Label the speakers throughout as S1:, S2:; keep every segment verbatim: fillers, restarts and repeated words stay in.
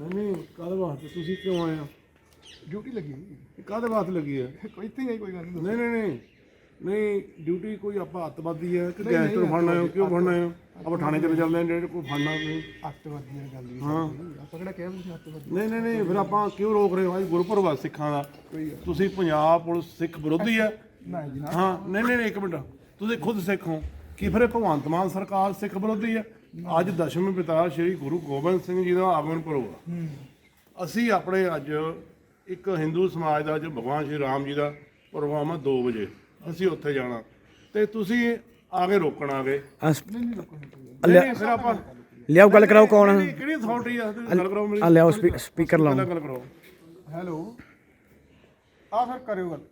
S1: नहीं नहीं काहदे वास्ते तुसी क्यों आए हो?
S2: ड्यूटी लगी
S1: काहदे वास्ते लगी है?
S2: कोई इतने ही कोई गल नहीं
S1: नहीं नहीं नहीं नहीं ड्यूटी कोई आप अतवादी है कि गैंगस्टर फड़ना है क्यों फड़ना है? आप थाने चले चलते हैं जेडे कोई फड़ना नहीं।
S2: ਅੱਤਵਾਦੀ ਦੀ ਗੱਲ ਨਹੀਂ
S1: हाँ
S2: ਆਪਾਂ ਕਿਹੜਾ ਕਹਿ ਤੁਸੀਂ ਅੱਤਵਾਦੀ
S1: नहीं नहीं नहीं फिर आप क्यों रोक रहे हो भाई गुरपुरब है सिखां दा
S2: ਕੋਈ ਗੱਲ
S1: ਤੁਸੀਂ ਪੰਜਾਬ ਪੁਲਿਸ ਸਿੱਖ ਵਿਰੋਧੀ ਹੈ?
S2: ਨਾ ਜੀ ਨਾ
S1: ਹਾਂ ਨਹੀਂ ਨਹੀਂ ਨਹੀਂ, ਇੱਕ ਮਿੰਟ ਤੁਸੀਂ ਖੁਦ ਸਿੱਖ ਹੋ ਕੀ ਫਿਰ ਇਹ ਭਗਵੰਤ ਮਾਨ ਸਰਕਾਰ ਸਿੱਖ ਵਿਰੋਧੀ ਹੈ? ਅੱਜ ਦਸ਼ਮੇਂ ਪਿਤਾ ਸ਼੍ਰੀ ਗੁਰੂ ਗੋਬਿੰਦ ਸਿੰਘ ਜੀ ਦਾ ਆਗਮਨ ਪੁਰਬ ਆ। ਅਸੀਂ ਆਪਣੇ ਅੱਜ ਇੱਕ ਹਿੰਦੂ ਸਮਾਜ ਦਾ ਜੋ ਭਗਵਾਨ ਸ਼੍ਰੀ ਰਾਮ ਜੀ ਦਾ ਪ੍ਰੋਗਰਾਮ ਆ ਦੋ ਵਜੇ ਅਸੀਂ ਉੱਥੇ ਜਾਣਾ ਤੇ ਤੁਸੀਂ ਆ ਕੇ ਰੋਕਣ ਆ ਗਏ।
S2: ਨਹੀਂ ਨਹੀਂ ਰੁਕੋ
S1: ਨਹੀਂ, ਨਹੀਂ, ਫਿਰ ਆਪਾਂ
S3: ਲਿਆਓ ਗੱਲ ਕਰਾਓ ਕੌਣ ਆ?
S1: ਕਿਹੜੀ ਕਿਹੜੀ ਅਥਾਰਟੀ ਆ ਤੁਸੀਂ ਗੱਲ ਕਰਾਓ ਮੇਰੀ
S3: ਆ ਲਿਆਓ ਸਪੀਕਰ ਲਾਓ।
S1: ਪਹਿਲਾਂ ਗੱਲ ਕਰਾਓ।
S2: ਹੈਲੋ ਆ ਫਿਰ ਕਰਿਓ ਗੱਲ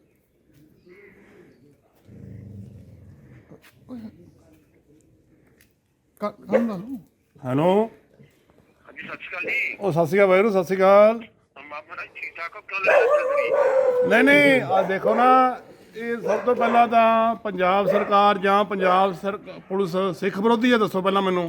S2: ਕੰਮ ਦਾ ਲਓ
S1: ਹੈਲੋ
S4: ਹਾਂਜੀ ਸਤਿ ਸ਼੍ਰੀ ਅਕਾਲ ਜੀ।
S1: ਉਹ ਸਤਿ ਸ਼੍ਰੀ ਅਕਾਲ ਵਾਹਿਗੁਰੂ ਸਤਿ ਸ਼੍ਰੀ ਅਕਾਲ।
S4: ਮਾਮਾ ਜੀ ਠੀਕ ਠਾਕ ਹੋ? ਕਿਉਂ ਲੈ ਰਹੇ
S1: ਨਹੀਂ ਨਹੀਂ ਆ ਦੇਖੋ ਨਾ ਇਹ ਸਭ ਤੋਂ ਪਹਿਲਾਂ ਤਾਂ ਪੰਜਾਬ ਸਰਕਾਰ ਜਾਂ ਪੰਜਾਬ ਸਰ ਪੁਲਿਸ ਸਿੱਖ ਵਿਰੋਧੀ ਹੈ ਦੱਸੋ ਪਹਿਲਾਂ ਮੈਨੂੰ।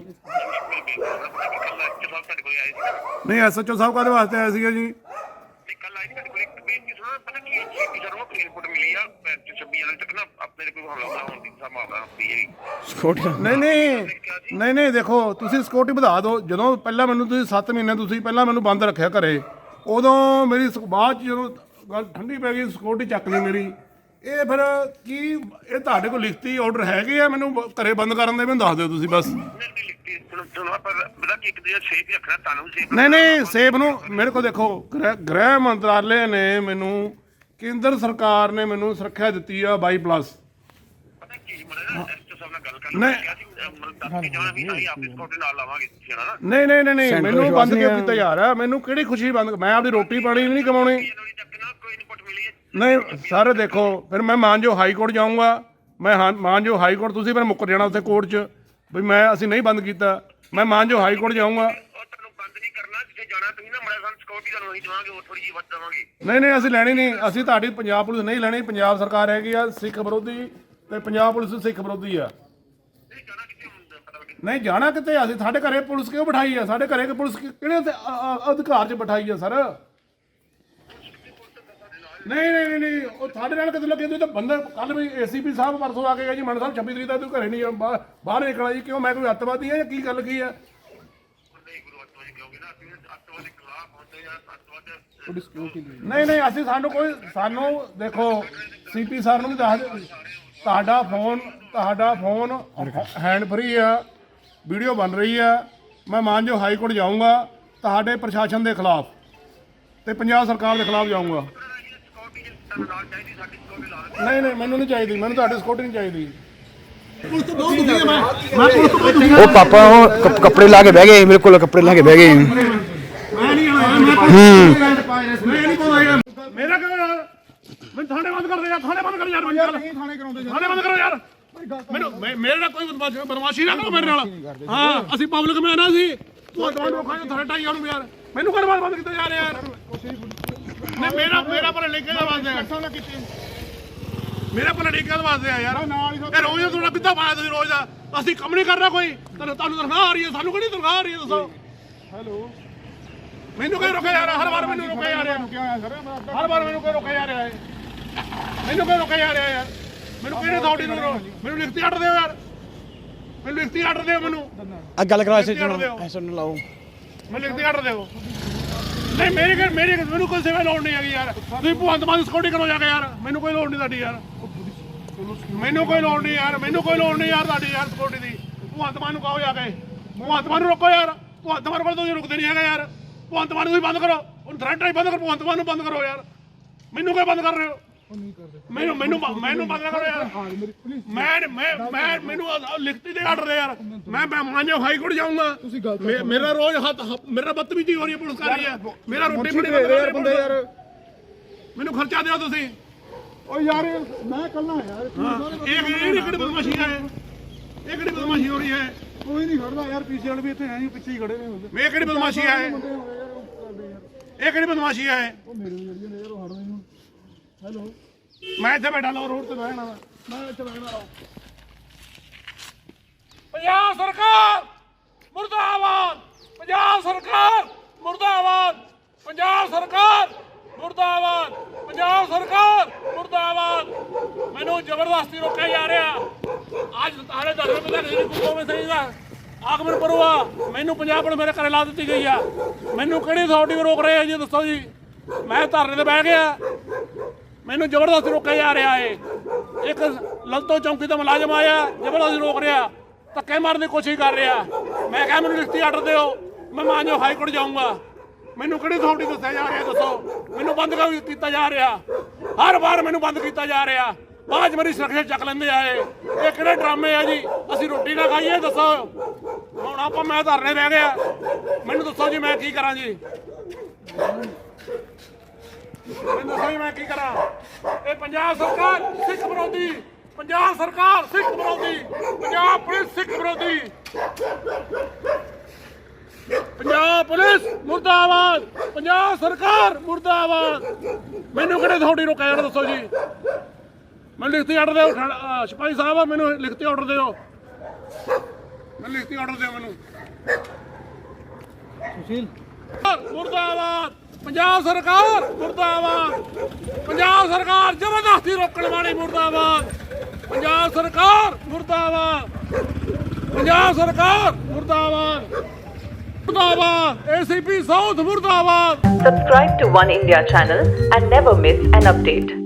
S4: ਤੁਹਾਡੇ ਕੋਲ ਆਏ ਸੀ ਨਾ?
S1: ਨਹੀਂ ਐਸਐਚਓ ਸਾਹਿਬ ਕਾਹਦੇ ਵਾਸਤੇ ਆਏ ਸੀਗੇ ਜੀ?
S4: ਨਹੀਂ ਕੱਲ ਆਏ ਸੀ ਤੁਹਾਡੇ ਕੋਲ ਇੱਕ ਬੇਨਤੀ ਸੁਣਾ ਪਤਾ ਕੀ ਹੈ ਜੀ ਸਰ ਉਹ ਰਿਪੋਰਟ ਮਿਲੀ ਆ ਛੱਬੀ ਜਨਵਰੀ ਤੱਕ ਨਾ ਆਪਣੇ ਤੇ ਕੋਈ ਹਮਲਾ ਹੋਣ ਦੀ ਸੰਭਾਵਨਾ ਹੁੰਦੀ ਹੈ।
S3: ਸਕਿਉਰਟੀ
S1: ਨਹੀਂ ਨਹੀਂ ਨਹੀਂ ਨਹੀਂ ਦੇਖੋ ਤੁਸੀਂ ਸਿਕਿਉਰਿਟੀ ਵਧਾ ਦਿਓ। ਜਦੋਂ ਪਹਿਲਾਂ ਮੈਨੂੰ ਤੁਸੀਂ ਸੱਤ ਮਹੀਨੇ ਤੁਸੀਂ ਪਹਿਲਾਂ ਮੈਨੂੰ ਬੰਦ ਰੱਖਿਆ ਘਰੇ ਉਦੋਂ ਮੇਰੀ ਸ- ਬਾਅਦ 'ਚ ਜਦੋਂ ਗੱਲ ਠੰਡੀ ਪੈ ਗਈ ਸਿਕਿਉਰਿਟੀ ਚੱਕ ਲਈ ਮੇਰੀ। ਇਹ ਫਿਰ ਕੀ ਇਹ ਤੁਹਾਡੇ ਕੋਲ ਲਿਖਤੀ ਆਰਡਰ ਹੈਗੇ ਆ ਮੈਨੂੰ ਬ- ਘਰੇ ਬੰਦ ਕਰਨ ਦੇ ਮੈਨੂੰ ਦੱਸ ਦਿਓ ਤੁਸੀਂ ਬਸ।
S4: ਨਹੀਂ ਨਹੀਂ ਲਿਖਤੀ ਸੁਣੋ ਸੁਣੋ ਪਰ ਪਤਾ ਕੀ ਇੱਕ ਦਿਨ ਸੇਫ ਹੀ ਰੱਖਣਾ ਤੁਹਾਨੂੰ ਸੇਫ
S1: ਨਹੀਂ ਨਹੀਂ ਸੇਬ ਨੂੰ ਮੇਰੇ ਕੋਲ ਦੇਖੋ ਗ੍ਰਹਿ ਗ੍ਰਹਿ ਮੰਤਰਾਲੇ ਨੇ ਮੈਨੂੰ ਕੇਂਦਰ ਸਰਕਾਰ ਨੇ ਮੈਨੂੰ ਸੁਰੱਖਿਆ ਦਿੱਤੀ ਆ ਬਾਈ ਪਲੱਸ।
S4: ਪਤਾ ਕੀ ਮਰੇ ਨਾ ਐਸਟੋ ਸਾਹਿਬ ਨਾਲ ਗੱਲ ਕਰਨ
S1: ਨਹੀਂ।
S4: ਲੱਗਿਆ ਸੀ ਮਤਲਬ ਦੱਸ ਕੇ ਜਾਣਾ ਵੀ ਅਸੀਂ ਆਪਣੀ ਸਕਿਉਰਟੀ ਨਾਲ ਲਾਵਾਂਗੇ ਤੁਸੀਂ ਹਨਾ
S1: ਨਹੀਂ ਨਹੀਂ ਨਹੀਂ ਨਹੀਂ
S3: Central
S1: ਮੈਨੂੰ ਬੰਦ
S3: ਵਿਸ਼ਵਾਸ
S1: ਕਿਉਂ
S3: ਨਹੀਂ
S1: ਕੀਤਾ ਜਾ ਰਿਹਾ? ਮੈਨੂੰ ਕਿਹੜੀ ਖੁਸ਼ੀ ਬੰਦ ਮੈਂ ਆਪਣੀ ਰੋਟੀ ਪਾਣੀ ਨਹੀਂ ਕਮਾਉਣੀ।
S4: ਜਨਵਰੀ ਤੱਕ ਨਾ ਕੋਈ ਰਿਪੋਰਟ ਮਿਲੀ ਹੈ?
S1: ਨਹੀਂ ਸਰ ਦੇਖੋ ਫਿਰ ਮੈਂ ਮਾਨਜੋ ਹਾਈ ਕੋਰਟ ਜਾਊਂਗਾ। ਮੈਂ ਹਾਂ ਮਾਨਜੋ ਹਾਈ ਕੋਰਟ ਤੁਸੀਂ ਫਿਰ ਮੁੱਕਰ ਜਾਣਾ ਉੱਥੇ ਕੋਰਟ 'ਚ ਵੀ ਮੈਂ ਅਸੀਂ ਨਹੀਂ ਬੰਦ ਕੀਤਾ। ਮੈਂ ਮਾਨਜੋ ਹਾਈ ਕੋਰਟ ਜਾਊਂਗਾ।
S4: ਉਹ ਤੁਹਾਨੂੰ ਬੰਦ ਨਹੀਂ ਕਰਨਾ ਜਿੱਥੇ ਜਾਣਾ ਤੁਸੀਂ ਨਾ ਮੜਾ ਸਾਨੂੰ ਸਕਿਉਰਟੀ ਤੁਹਾਨੂੰ ਅਸੀਂ ਦੇਵਾਂਗੇ ਉਹ ਥੋੜੀ ਜਿਹੀ ਵੱਧ ਦੇਵਾਂਗੇ।
S1: ਨਹੀਂ ਨਹੀਂ ਅਸੀਂ ਲੈਣੀ ਨਹੀਂ। ਅਸੀਂ ਤੁਹਾਡੀ ਪੰਜਾਬ ਪੁਲਿਸ ਨਹੀਂ ਲੈਣੀ। ਪੰਜਾਬ ਸਰਕਾਰ ਹੈਗੀ ਆ ਸਿੱਖ ਵਿਰੋਧੀ ਤੇ ਪੰਜਾਬ ਪੁਲਿਸ ਸਿੱਖ ਵਿਰੋਧੀ ਆ।
S4: ਨਹੀਂ ਜਾਣਾ ਕਿੱਥੇ ਹੁੰਦਾ ਪਤਾ ਲੱਗੇ।
S1: ਨਹੀਂ ਜਾਣਾ ਕਿਤੇ ਅਸੀਂ ਸਾਡੇ ਘਰੇ ਪੁਲਿਸ ਕਿਉਂ ਬਿਠਾਈ ਆ? ਸਾਡੇ ਘਰੇ ਕਿ ਪੁਲਿਸ ਕਿ- ਕਿਹੜੇ ਅਧਿ- ਅ- ਅ- ਅਧਿਕਾਰ 'ਚ ਬਿਠਾਈ ਆ ਸਰ? ਨਹੀਂ ਨਹੀਂ ਨਹੀਂ ਨਹੀਂ ਉਹ ਸਾਡੇ ਨਾਲ ਕਿਤੇ ਲੱਗੇ ਤੁਸੀਂ ਤਾਂ ਬੰਦੇ ਕੱਲ ਵੀ ਏਸੀਪੀ ਸਾਹਿਬ ਪਰਸੋਂ ਆ ਕੇ ਗਿਆ ਜੀ ਮਨ ਸਾਹਿਬ ਛੱਬੀ ਤਰੀਕ ਤੱਕ ਤੂੰ ਘਰੇ ਨਹੀਂ ਬਾਹਰ ਬਾਹਰ ਨਿਕਲਣਾ ਜੀ ਕਿਉਂ ਮੈਂ ਕੋਈ ਅੱਤਵਾਦੀ ਆ ਜਾਂ ਕੀ ਗੱਲ ਕੀ ਆ?
S4: ਨਹੀਂ ਗੁਰੂ ਅੱਤਵਾਦੀ ਕਹੋਗੇ ਨਾ ਅਸੀਂ ਅੱਤਵਾਦੀ ਖਿਲਾਫ ਹੁੰਦੇ ਜਾਂ ਅੱਤਵਾਦ
S2: ਤੁਹਾਡੀ ਸਿਕਿਉਰਟੀ ਲਈ
S1: ਨਹੀਂ ਨਹੀਂ ਅਸੀਂ ਸਾਨੂੰ ਕੋਈ ਸਾਨੂੰ ਦੇਖੋ ਸੀਪੀ ਸਰ ਨੂੰ ਵੀ ਦੱਸ ਦਿਓ ਤੁਹਾਡਾ ਫੋਨ ਤੁਹਾਡਾ ਫੋਨ ਹੈਂਡ ਫਰੀ ਆ ਵੀਡੀਓ ਬਣ ਰਹੀ ਆ। ਮੈਂ ਮਾਨਜੋ ਹਾਈ ਕੋਰਟ ਜਾਊਂਗਾ ਤੁਹਾਡੇ ਪ੍ਰਸ਼ਾਸਨ ਦੇ ਖਿਲਾਫ ਤੇ ਪੰਜਾਬ ਸਰਕਾਰ ਦੇ ਖਿਲਾਫ ਜਾਊਂਗਾ।
S4: ਸਕਿਉਰਟੀ ਜੇ ਤੁਹਾਨੂੰ ਨਾਲ ਚਾਹੀਦੀ ਸਾਡੀ ਸਕਿਉਰਟੀ ਲਾ ਦਿੰਦੇ।
S1: ਨਹੀਂ ਨਹੀਂ ਮੈਨੂੰ ਨਹੀਂ ਚਾਹੀਦੀ। ਮੈਨੂੰ ਤੁਹਾਡੀ ਸਿਕਿਉਰਿਟੀ ਨਹੀਂ ਚਾਹੀਦੀ।
S3: ਉਹ ਪਾਪਾ ਉਹ ਕੱਪ- ਕੱਪੜੇ ਲਾ ਕੇ ਬਹਿ ਗਏ ਮੇਰੇ ਕੋਲ ਕੱਪੜੇ ਲਾ ਕੇ ਬਹਿ ਗਏ।
S1: ਮੇਰਾ ਕਿਉਂ ਯਾਰ ਮੈਨੂੰ ਥਾਣੇ ਬੰਦ ਕਰ ਦੇ ਯਾਰ ਥਾਣੇ ਬੰਦ ਕਰ ਯਾਰ ਮੈਨੂੰ ਯਾਰ
S2: ਨਹੀਂ ਥਾਣੇ ਕਰਾਉਂਦੇ
S1: ਥਾਣੇ ਬੰਦ ਕਰੋ ਯਾਰ ਮੈਨੂੰ ਮੈਂ- ਮੇਰੇ ਨਾਲ ਕੋਈ ਬਦਮਾਸ਼- ਬਦਮਾਸ਼ੀ ਨਾ ਕਰੋ ਮੇਰੇ ਨਾਲ। ਹਾਂ ਅਸੀਂ ਪਬਲਿਕ ਮੈਂ ਨਾ ਸੀ ਤੂੰ ਤੁਹਾਨੂੰ ਰੋਕਾਂਗੇ ਥਾਣੇ ਟਾਈ ਉਹਨੂੰ ਯਾਰ ਮੈਨੂੰ ਕਰ ਬੰਦ ਕੀਤਾ ਜਾ ਰਿਹਾ ਯਾਰ। ਨਹੀਂ ਮੇਰਾ ਮੇਰਾ ਪਰ ਲਿਖੇ ਦਾ ਵਾਸਤੇ ਮੇਰਾ ਪਰ ਲਿਖੇ ਦਾ ਵਾਸਤੇ ਆ ਯਾਰ। ਇਹ ਰੋਜ਼ ਤੁਹਾਡਾ ਕਿੱਦਾਂ ਪਾਇਆ ਤੁਸੀਂ ਰੋਜ਼ ਦਾ? ਅਸੀਂ ਕੰਮ ਨਹੀਂ ਕਰਨਾ ਕੋਈ ਤੁਹਾਨੂੰ ਤੁਹਾਨੂੰ ਤਨਖਾਹ ਆ ਰਹੀ ਹੈ ਸਾਨੂੰ ਕਿਹੜੀ ਤਨਖਾਹ ਆ ਰਹੀ ਹੈ ਦੱਸੋ?
S2: ਹੈਲੋ
S1: ਮੈਨੂੰ ਕਿਉਂ ਰੋਕਿਆ ਜਾ ਰਿਹਾ? ਹਰ ਵਾਰ ਮੈਨੂੰ ਰੋਕਿਆ ਜਾ ਰਿਹਾ।
S2: ਕੀ ਹੋਇਆ ਸਰ ਮੈਂ
S1: ਹਰ ਵਾਰ ਮੈਨੂੰ ਕਿਉਂ ਰੋਕਿਆ ਜਾ ਰਿਹਾ ਹੈ? ਮੈਨੂੰ ਕਿਉਂ ਰੋਕਿਆ ਜਾ ਰਿਹਾ ਯਾਰ? ਮੈਨੂੰ ਕਿਹੜੇ ਅਥਾਰਟੀ ਨੂੰ ਰੋ- ਮੈਨੂੰ ਲਿਖਤੀ ਆਰਡਰ ਦਿਓ ਯਾਰ। ਮੈਨੂੰ ਲਿਖਤੀ ਆਰਡਰ ਦਿਓ ਮੈਨੂੰ
S3: ਆ ਗੱਲ ਕਰਾਓ ਐਸੇ
S1: ਲਿਖਤੀ
S3: ਨੂੰ ਐਸੇ ਨੂੰ ਲਾਓ।
S1: ਮੈਨੂੰ ਲਿਖਤੀ ਆਰਡਰ ਦਿਓ। ਨਹੀਂ ਮੇਰੀ ਕਿ ਮੇਰੀ ਮੈਨੂੰ ਕੋਈ ਸੇਵਾ ਲੋੜ ਨਹੀਂ ਹੈਗੀ ਯਾਰ। ਤੁਸੀਂ ਭਗਵੰਤ ਮਾਨ ਸਿਕਿਉਰਿਟੀ ਕਰੋ ਜਾ ਕੇ ਯਾਰ। ਮੈਨੂੰ ਕੋਈ ਲੋੜ ਨਹੀਂ ਤੁਹਾਡੀ ਯਾਰ। ਮੈਨੂੰ ਕੋਈ ਲੋੜ ਨਹੀਂ ਯਾਰ। ਮੈਨੂੰ ਕੋਈ ਲੋੜ ਨਹੀਂ ਯਾਰ ਤੁਹਾਡੀ ਯਾਰ ਸਿਕਿਉਰਿਟੀ ਦੀ। ਭਗਵੰਤ ਮਾਨ ਨੂੰ ਕਹੋ ਜਾ ਕੇ ਭਗਵੰਤ ਮਾਨ ਨੂੰ ਰੋਕੋ ਯਾਰ। ਭਗਵੰਤ ਮਾਨ ਕੋਲ ਤੁਸੀਂ ਰੁਕਦੇ ਨਹੀਂ ਹੈਗਾ ਯਾਰ। ਭਗਵੰਤ ਮਾਨ ਨੂੰ ਤੁਸੀਂ ਬੰਦ ਕਰੋ। ਹੁਣ ਥਰੈਟ ਰਾਈ ਬੰਦ ਕਰੋ। ਭਗਵੰਤ ਮਾਨ ਨੂੰ ਬੰਦ ਕਰੋ ਯਾਰ। ਮੈਨੂੰ ਕਿਉਂ ਬੰਦ ਕਰ ਰਹੇ ਹੋ? ਮੈਨੂੰ ਮੈਨੂੰ ਮੈਨੂੰ ਬੰਦ ਕਰੋ ਯਾਰ। ਮੈਂ ਮੈਂ ਮੈਂ ਮੈਨੂੰ ਲਿਖਤੀ ਦੇ ਆਰਡਰ ਦੇ ਯਾਰ। ਮੈਂ ਮੈਂ ਮਾਨਜੋ ਹਾਈ ਕੋਰਟ ਜਾਊਂਗਾ। ਮੇ- ਮੇਰਾ ਰੋਜ਼ ਹੱਥ ਮੇਰਾ ਬਦਤਮੀਜ਼ੀ ਹੋ ਰਹੀ ਹੈ ਪੁਲਿਸ ਕਰ ਰਹੀ ਹੈ। ਮੇਰਾ ਰੋਟੀ ਬੜੀ
S2: ਯਾਰ ਬੰਦੇ ਯਾਰ
S1: ਮੈਨੂੰ ਖਰਚਾ ਦਿਓ ਤੁਸੀਂ।
S2: ਓ ਯਾਰ ਮੈਂ ਕੱਲਾ ਯਾਰ
S1: ਇਹ ਇਹ ਕਿਹੜੀ ਬਦਮਾਸ਼ੀ ਹੈ? ਇਹ ਕਿਹੜੀ ਬਦਮਾਸ਼ੀ ਹੋ ਰਹੀ ਹੈ?
S2: ਕੋਈ ਨਹੀਂ ਖੜਦਾ ਯਾਰ ਪੀਸੀ ਵਾਲੇ ਵੀ ਇੱਥੇ ਐਂ ਹੀ ਪਿੱਛੇ ਹੀ ਖੜੇ ਨੇ ਹੁੰਦੇ
S1: ਇਹ ਕਿਹੜੀ ਬਦਮਾਸ਼ੀ ਹੈ?
S2: ਬੰਦੇ ਹੋ ਗਏ ਯਾਰ ਉਹ ਕਰਦੇ ਯਾਰ
S1: ਇਹ ਕਿਹੜੀ ਬਦਮਾਸ਼ੀ ਹੈ?
S2: ਉਹ ਮੇਰੇ ਜਿਹੜੀਆਂ ਨੇ ਯਾਰ ਉਹ ਹੜ ਰਹੇ ਹੁਣ ਹੈਲੋ
S1: ਮੈਂ ਇੱਥੇ ਬੈਠਾ ਲਾ ਰੋਡ ਤੇ ਬਹਿਣਾ ਵਾ। ਮੈਂ ਇੱਥੇ ਬਹਿਣਾ ਲਾ। ਪੰਜਾਬ ਸਰਕਾਰ ਮੁਰਦਾਬਾਦ। ਪੰਜਾਬ ਸਰਕਾਰ ਮੁਰਦਾਬਾਦ। ਮੁਰਦਾਬਾਦ ਪੰਜਾਬ ਸਰਕਾਰ ਮੁਰਦਾਬਾਦ ਪੰਜਾਬ ਸਰਕਾਰ ਮੁਰਦਾਬਾਦ ਮੈਨੂੰ ਜ਼ਬਰਦਸਤੀ ਰੋਕਿਆ ਜਾ ਰਿਹਾ ਅੱਜ ਸਾਰੇ ਦਸ ਰੁਪਏ ਦਾ ਨਹੀਂ ਕੋਵੇਂ ਸਹੀ ਦਾ ਆਗਮਨ ਪਰਵਾ ਮੈਨੂੰ ਪੰਜਾਬ ਪੁਲਿਸ ਮੇਰੇ ਘਰੇ ਲਾ ਦਿੱਤੀ ਗਈ ਆ ਮੈਨੂੰ ਕਿਹੜੀ ਅਥਾਰਟੀ ਰੋਕ ਰਹੇ ਆ ਜੀ ਦੱਸੋ ਜੀ ਮੈਂ ਧਰਨੇ ਤੇ ਬਹਿ ਗਿਆ ਮੈਨੂੰ ਜ਼ਬਰਦਸਤੀ ਰੋਕਿਆ ਜਾ ਰਿਹਾ ਏ ਇੱਕ ਲਲਤੋ ਚੌਂਕੀ ਦਾ ਮੁਲਾਜ਼ਮ ਆਇਆ ਜ਼ਬਰਦਸਤੀ ਰੋਕ ਰਿਹਾ ਧੱਕੇ ਮਾਰਨ ਦੀ ਕੋਸ਼ਿਸ਼ ਕਰ ਰਿਹਾ ਮੈਂ ਕਿਹਾ ਮੈਨੂੰ ਲਿਖਤੀ ਆਰਡਰ ਦਿਓ ਮੈਂ ਮਾਨਯੋਗ ਹਾਈ ਕੋਰਟ ਜਾਊਂਗਾ ਮੈਨੂੰ ਕਿਹੜੀ ਅਥਾਰਟੀ ਦੱਸਿਆ ਜਾ ਰਿਹਾ ਦੱਸੋ ਮੈਨੂੰ ਬੰਦ ਕਿਉਂ ਕੀਤਾ ਜਾ ਰਿਹਾ ਹਰ ਵਾਰ ਮੈਨੂੰ ਬੰਦ ਕੀਤਾ ਜਾ ਰਿਹਾ ਬਾਅਦ 'ਚ ਮੇਰੀ ਸੁਰੱਖਿਆ ਚੱਕ ਲੈਂਦੇ ਆਏ ਇਹ ਕਿਹੜੇ ਡਰਾਮੇ ਆ ਜੀ ਅਸੀਂ ਰੋਟੀ ਨਾ ਖਾਈਏ ਦੱਸੋ ਹੁਣ ਆਪਾਂ ਮੈਂ ਧਰਨੇ ਬਹਿ ਗਿਆ ਮੈਨੂੰ ਦੱਸੋ ਜੀ ਮੈਂ ਕੀ ਕਰਾਂ ਜੀ ਮੈਨੂੰ ਦੱਸੋ ਜੀ ਮੈਂ ਕੀ ਕਰਾਂ ਇਹ ਪੰਜਾਬ ਸਰਕਾਰ ਸਿੱਖ ਵਿਰੋਧੀ ਪੰਜਾਬ ਸਰਕਾਰ ਸਿੱਖ ਵਿਰੋਧੀ ਪੰਜਾਬ ਪੁਲਿਸ ਸਿੱਖ ਵਿਰੋਧੀ ਪੰਜਾਬ ਪੁਲਿਸ ਮੁਰਦਾਬਾਦ ਪੰਜਾਬ ਸਰਕਾਰ ਮੁਰਦਾਬਾਦ ਮੈਨੂੰ ਕਿਹੜੇ ਥੋੜੀ ਰੋਕਿਆ ਯਾਰ ਦੱਸੋ ਜੀ ਮੈਨੂੰ ਲਿਖਤੀ ਆਰਡਰ ਦਿਓ ਅਹ ਸਿਪਾਹੀ ਸਾਹਿਬ ਮੈਨੂੰ ਲਿਖਤੀ ਆਰਡਰ ਦਿਓ ਮੈਨੂੰ ਲਿਖਤੀ ਆਰਡਰ ਦਿਓ ਮੈਨੂੰ ਸੁਸ਼ੀਲ ਮੁਰਦਾਬਾਦ ਪੰਜਾਬ ਸਰਕਾਰ ਮੁਰਦਾਬਾਦ ਪੰਜਾਬ ਸਰਕਾਰ ਜ਼ਬਰਦਸਤੀ ਰੋਕਣ ਵਾਲੀ ਮੁਰਦਾਬਾਦ ਪੰਜਾਬ ਸਰਕਾਰ ਮੁਰਦਾਬਾਦ ਪੰਜਾਬ ਸਰਕਾਰ ਮੁਰਦਾਬਾਦ ਮੁਰਦਾਬਾਦ ਏਸੀਪੀ ਸਾਊਥ ਮੁਰਦਾਬਾਦ
S5: Subscribe to One India channel and never miss an update.